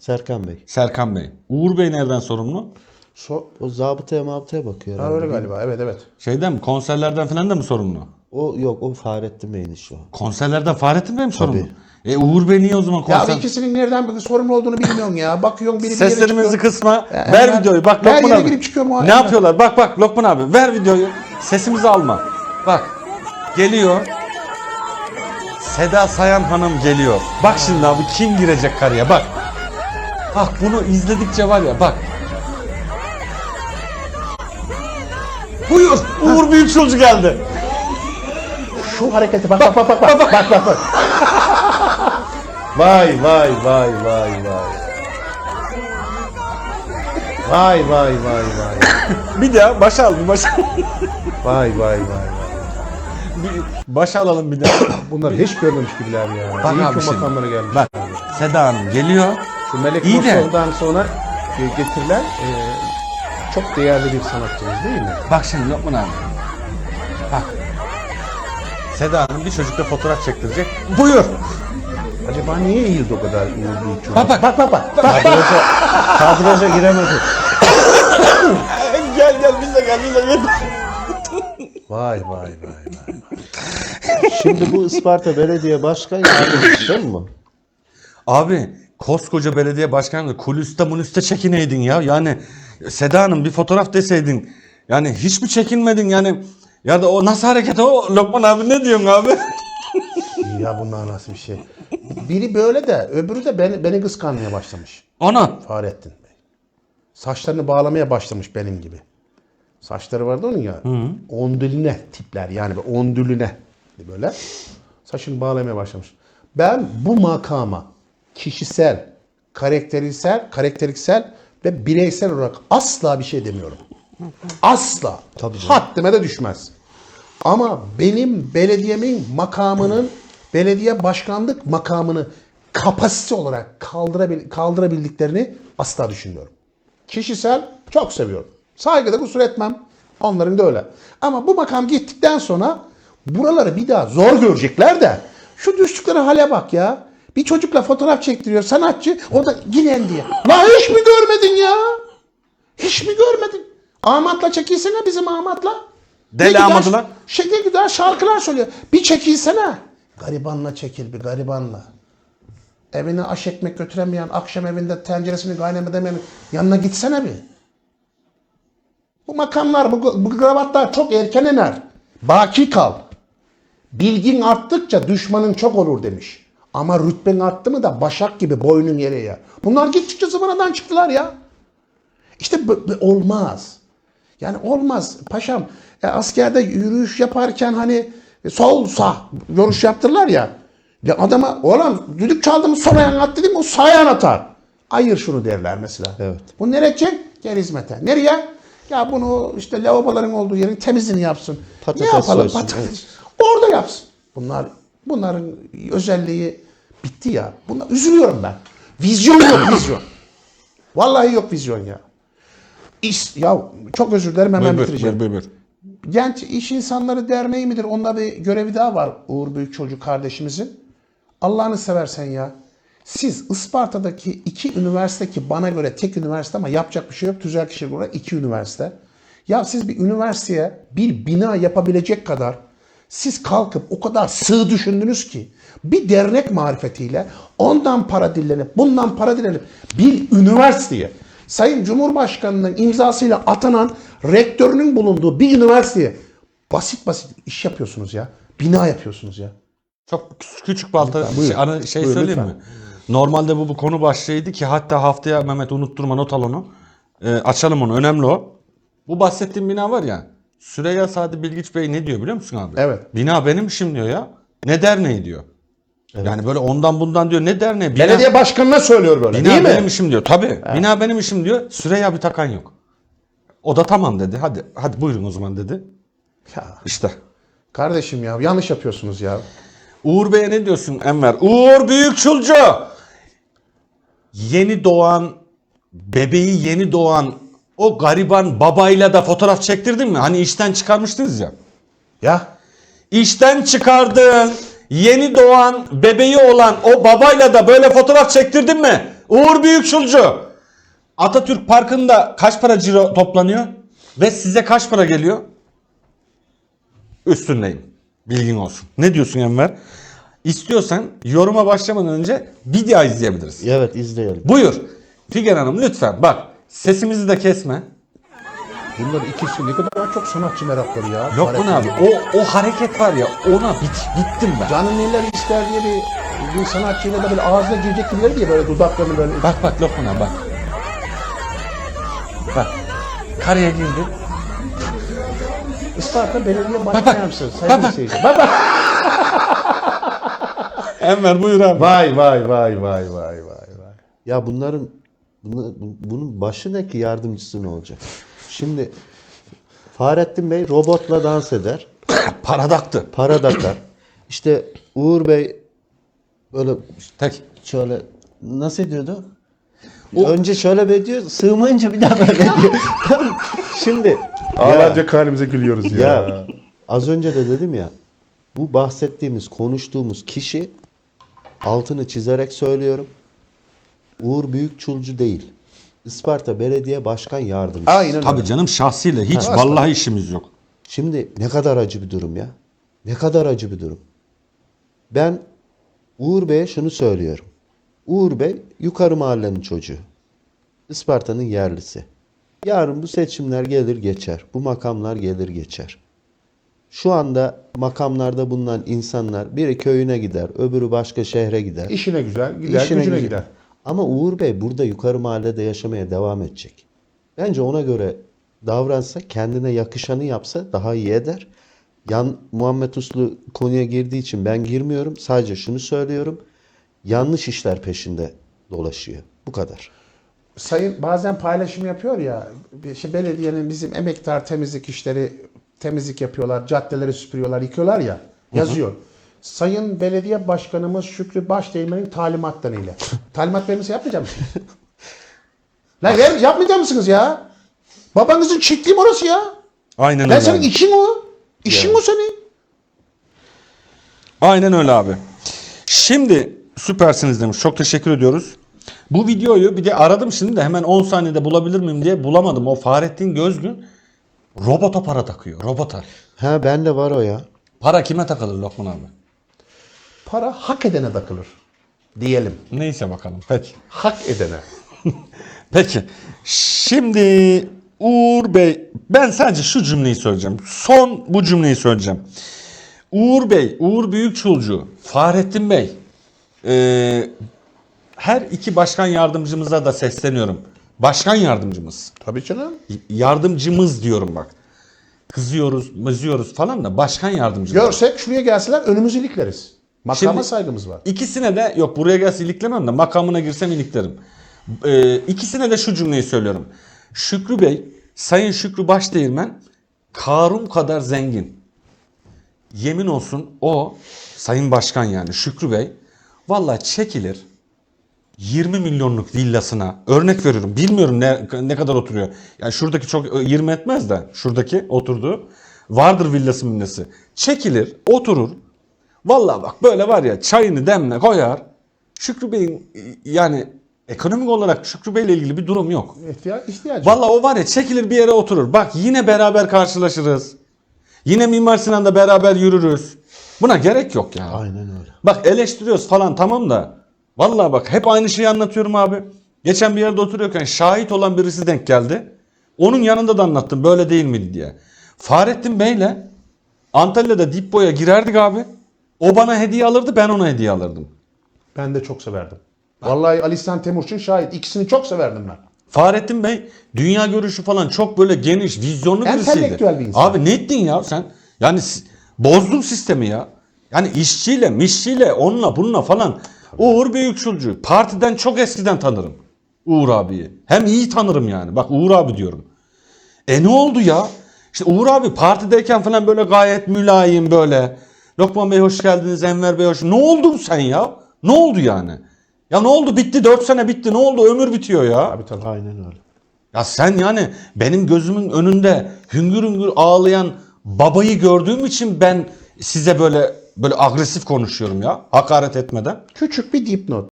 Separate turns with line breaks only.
Serkan Bey.
Serkan Bey. Uğur Bey nereden sorumlu?
O zabıtaya mabıtaya bakıyor
Ha,
herhalde.
öyle galiba. Evet evet.
Şeyden mi? Konserlerden falan da mı sorumlu?
O yok, o Fahrettin Bey'in işi o.
Konserlerden Fahrettin Bey mi sorumlu?
Tabii.
Uğur Bey niye o zaman
Ya
konser...
ikisinin nereden sorumlu olduğunu bilmiyorsun ya. Bakıyorsun biri bir yere
Seslerimizi
çıkıyor.
kısma.
Ya,
Ver
hemen
videoyu. Bak
her
Lokman
yere
abi.
girip çıkıyor
Ne
muayene.
yapıyorlar? Bak Lokman abi. Ver videoyu. Sesimizi alma. Bak. Geliyor. Seda Sayan Hanım geliyor. Bak şimdi abi kim girecek karıya bak. Bak bunu izledikçe var ya bak. Buyur. Uğur Büyükçulcu geldi.
Şu hareketi bak bak bak bak bak bak bak bak.
Vay vay vay vay vay. Vay vay vay vay.
Bir daha başa al bir başa.
Vay vay vay vay.
Başa alalım bir daha.
Bunlar hiç görmemiş gibiler ya.
Bak
İyi
abi
ki
şimdi.
makamlara gelmiş.
Bak Seda Hanım geliyor.
Şu Melek
İyi de-
Mosov'dan sonra getirilen çok değerli bir sanatçımız değil mi?
Bak şimdi Lokman abi. Bak. Seda Hanım bir çocukla fotoğraf çektirecek. Buyur.
Acaba niye eğildi o kadar Uğur Büyükçul?
Bak bak bak bak.
Kadraja giremedi.
Gel bize gel.
Vay vay vay vay. Şimdi bu Isparta Belediye Başkan Yardımcısı değil mi?
Abi koskoca belediye başkanı kulüste munüste çekineydin ya. Yani Seda Hanım bir fotoğraf deseydin. Yani hiç mi çekinmedin yani? Ya da o nasıl hareket o? Lokman abi ne diyorsun abi?
Ya bunlar nasıl bir şey? Biri böyle de öbürü de beni kıskanmaya başlamış.
Ana.
Fahrettin Bey. Saçlarını bağlamaya başlamış benim gibi. Saçları vardı onun ya. Ondüline tipler yani ondülüne böyle. Saçını bağlamaya başlamış. Ben bu makama kişisel, karakteriksel ve bireysel olarak asla bir şey demiyorum. Asla. Haddime de düşmez. Ama benim belediyemin makamının, belediye başkanlık makamını kapasite olarak kaldırabildiklerini asla düşünmüyorum. Kişisel çok seviyorum. Saygıda kusur etmem. Onların da öyle. Ama bu makam gittikten sonra buraları bir daha zor görecekler de şu düştükleri hale bak ya. Bir çocukla fotoğraf çektiriyor sanatçı, o da giren diye. La hiç mi görmedin ya? Hiç mi görmedin? Ahmet'la çekilsene bizim Ahmet'la.
Deli
Ne güzel-
Ahmet'ı lan.
Ne güzel şarkılar söylüyor. Bir çekilsene. Garibanla çekil bir garibanla. Evine aş ekmek götüremeyen, akşam evinde tenceresini kaynamedemeyen yanına gitsene bir. Bu makamlar, bu kravatlar çok erken iner. Baki kal. Bilgin arttıkça düşmanın çok olur demiş. Ama rütben arttı mı da başak gibi boynun yere ya. Bunlar gittikçe zıvanadan çıktılar ya. İşte olmaz. Yani olmaz paşam. Askerde yürüyüş yaparken hani sol sağ görüş yaptırırlar ya. Ya adama oğlum düdük çaldı mı sol ayağını at dedim o sağ ayağını atar. Ayır şunu derler mesela.
Evet.
Bu nereye edecek? Gel hizmete. Nereye? Ya bunu işte lavaboların olduğu yerin temizliğini yapsın.
Patates
ne yapalım?
soysun,
Patates.
evet.
Orada yapsın. Bunların özelliği bitti ya. Üzülüyorum ben. Vizyon yok vizyon. Vallahi yok vizyon ya. Ya çok özür dilerim hemen bitireceğim.
Buyur.
Genç İş İnsanları Derneği midir? Onda bir görevi daha var Uğur Büyükçolcu kardeşimizin. Allah'ını seversen ya. Siz Isparta'daki 2 üniversite ki bana göre tek üniversite ama yapacak bir şey yok. Tüzel kişilik olarak 2 üniversite. Ya siz bir üniversiteye bir bina yapabilecek kadar siz kalkıp o kadar sığ düşündünüz ki bir dernek marifetiyle ondan para dilenip bundan para dilenip bir üniversiteye Sayın Cumhurbaşkanı'nın imzasıyla atanan rektörünün bulunduğu bir üniversiteye basit iş yapıyorsunuz ya. Bina yapıyorsunuz ya.
Çok küçük balta
Lütfen, buyurun.
söyleyeyim
Lütfen.
mi? Normalde bu konu başlığıydı ki hatta haftaya Mehmet unutturma not al onu. Açalım onu önemli o. Bu bahsettiğim bina var ya Süreyya Sadi Bilgiç Bey ne diyor biliyor musun abi?
Evet.
Bina benim işim diyor ya. Ne derneği diyor. Yani böyle ondan bundan diyor ne derneği. Bina,
Belediye başkanına söylüyor böyle
bina
değil mi?
benim işim diyor. Tabii. Bina benim işim diyor. Süreyya bir takan yok. O da tamam dedi. Hadi buyurun o zaman dedi.
Ya,
İşte.
kardeşim ya yanlış yapıyorsunuz ya.
Uğur Bey'e ne diyorsun Enver? Uğur Büyükçulcu! Bebeği yeni doğan o gariban babayla da fotoğraf çektirdin mi? Hani işten çıkarmıştınız ya.
Ya
İşten çıkardığın yeni doğan bebeği olan o babayla da böyle fotoğraf çektirdin mi? Uğur Büyükçulcu. Atatürk Parkı'nda kaç para ciro toplanıyor? Ve size kaç para geliyor? Üstündeyim. Bilgin olsun. Ne diyorsun Enver? İstiyorsan yoruma başlamadan önce video izleyebiliriz.
Evet, izleyelim.
Buyur. Figen Hanım lütfen bak. Sesimizi de kesme.
Bunlar ikisi ne kadar çok sanatçı merakları ya.
Yok bu ne abi? O hareket var ya ona bittim ben.
Canın neler ister diye bir sanatçıyla da böyle ağzına girecek gibiler diye böyle dudaklarını böyle.
Bak Lokman abi bak. Bak. Karaya girdi.
Isparta Belediye
Bak.
Başkan Yardımcısı. Sayın
Bak.
seyirci. Bak.
Enver buyur abi.
Vay.
Ya bunun başı ne ki, yardımcısı ne olacak? Şimdi Fahrettin Bey robotla dans eder.
Paradaktı.
Para takar. İşte Uğur Bey böyle
Tek.
şöyle nasıl ediyordu? Önce şöyle bir diyor, sığmayınca bir daha böyle diyor. Şimdi
Ağlarca halimize gülüyoruz
ya az önce de dedim ya, bu bahsettiğimiz, konuştuğumuz kişi, altını çizerek söylüyorum, Uğur Büyükçulcu değil. Isparta Belediye Başkan Yardımcısı.
Aynen
Tabii
öyle.
canım şahsiyle hiç vallahi işimiz yok.
Şimdi ne kadar acı bir durum ya. Ne kadar acı bir durum. Ben Uğur Bey'e şunu söylüyorum. Uğur Bey yukarı mahallenin çocuğu. Isparta'nın yerlisi. Yarın bu seçimler gelir geçer. Bu makamlar gelir geçer. Şu anda makamlarda bulunan insanlar biri köyüne gider, öbürü başka şehre gider.
İşine güzel, gider,
İşine
gücüne
güzel.
gider.
Ama Uğur Bey burada yukarı mahallede yaşamaya devam edecek. Bence ona göre davransa, kendine yakışanı yapsa daha iyi eder. Muhammed Uslu konuya girdiği için ben girmiyorum. Sadece şunu söylüyorum. Yanlış işler peşinde dolaşıyor. Bu kadar.
Sayın bazen paylaşım yapıyor ya, işte belediyenin bizim emektar temizlik işleri, temizlik yapıyorlar, caddeleri süpürüyorlar, yıkıyorlar ya, yazıyor. Sayın Belediye Başkanımız Şükrü Başdeğmen'in talimatlarıyla. Talimat vermesi yapmayacak mısınız? Lan yapmayacak mısınız ya? Babanızın çiftliği mi orası ya?
Aynen
Lan
öyle
senin
abi.
işin o. İşin o senin.
Aynen öyle abi. Şimdi süpersiniz demiş. Çok teşekkür ediyoruz. Bu videoyu bir de aradım şimdi de hemen 10 saniyede bulabilir miyim diye bulamadım. O Fahrettin Gözgün robota para takıyor. Robota.
Ha, bende var o ya.
Para kime takılır Lokman abi?
Para hak edene takılır. Diyelim.
Neyse bakalım. Peki.
Hak edene.
Peki. Şimdi Uğur Bey, ben sadece şu cümleyi söyleyeceğim. Son bu cümleyi söyleyeceğim. Uğur Bey, Uğur Büyükçulcu, Fahrettin Bey, her iki başkan yardımcımıza da sesleniyorum. Başkan yardımcımız.
Tabii canım.
Yardımcımız diyorum bak. Kızıyoruz falan da başkan yardımcımız.
Görsek şuraya gelseler önümüzü ilikleriz. Makama
Şimdi-
saygımız var.
İkisine de yok buraya gelse iliklemem de makamına girsem iliklerim. İkisine de şu cümleyi söylüyorum. Şükrü Bey, Sayın Şükrü Başdeğirmen Karun kadar zengin. Yemin olsun o Sayın Başkan yani Şükrü Bey vallahi çekilir 20 milyonluk villasına, örnek veriyorum, bilmiyorum ne kadar oturuyor. Yani şuradaki çok 20 etmez de şuradaki oturduğu vardır villası millası. Çekilir oturur. Vallahi bak böyle var ya, çayını demle koyar. Şükrü Bey'in yani ekonomik olarak Şükrü Bey'le ilgili bir durum yok.
İhtiyacı.
Vallahi o var ya, çekilir bir yere oturur. Bak yine beraber karşılaşırız. Yine Mimar Sinan'da beraber yürürüz. Buna gerek yok ya.
Aynen öyle.
Bak eleştiriyoruz falan tamam da. Vallahi bak hep aynı şeyi anlatıyorum abi. Geçen bir yerde oturuyorken şahit olan birisi denk geldi. Onun yanında da anlattım böyle değil miydi diye. Fahrettin Bey'le Antalya'da dip boya girerdik abi. O bana hediye alırdı, ben ona hediye alırdım.
Ben de çok severdim. Vallahi Ali İhsan Temurçin şahit. İkisini çok severdim ben.
Fahrettin Bey dünya görüşü falan çok böyle geniş, vizyonlu birisiydi.
Entelektüel bir insan.
Abi ne ettin ya sen? Yani bozdun sistemi ya. Yani işçiyle, mişçiyle, onunla bununla falan. Uğur Büyükçulcu. Partiden çok eskiden tanırım Uğur abiyi. Hem iyi tanırım yani. Bak Uğur abi diyorum. Ne oldu ya? İşte Uğur abi partideyken falan böyle gayet mülayim böyle. Lokman Bey hoş geldiniz, Enver Bey hoş. Ne oldun sen ya? Ne oldu yani? Ya ne oldu? Bitti 4 sene bitti. Ne oldu? Ömür bitiyor ya.
Tabii.
Aynen öyle.
Ya sen yani benim gözümün önünde hüngür hüngür ağlayan babayı gördüğüm için ben size böyle agresif konuşuyorum ya. Hakaret etmeden.
Küçük bir dipnot.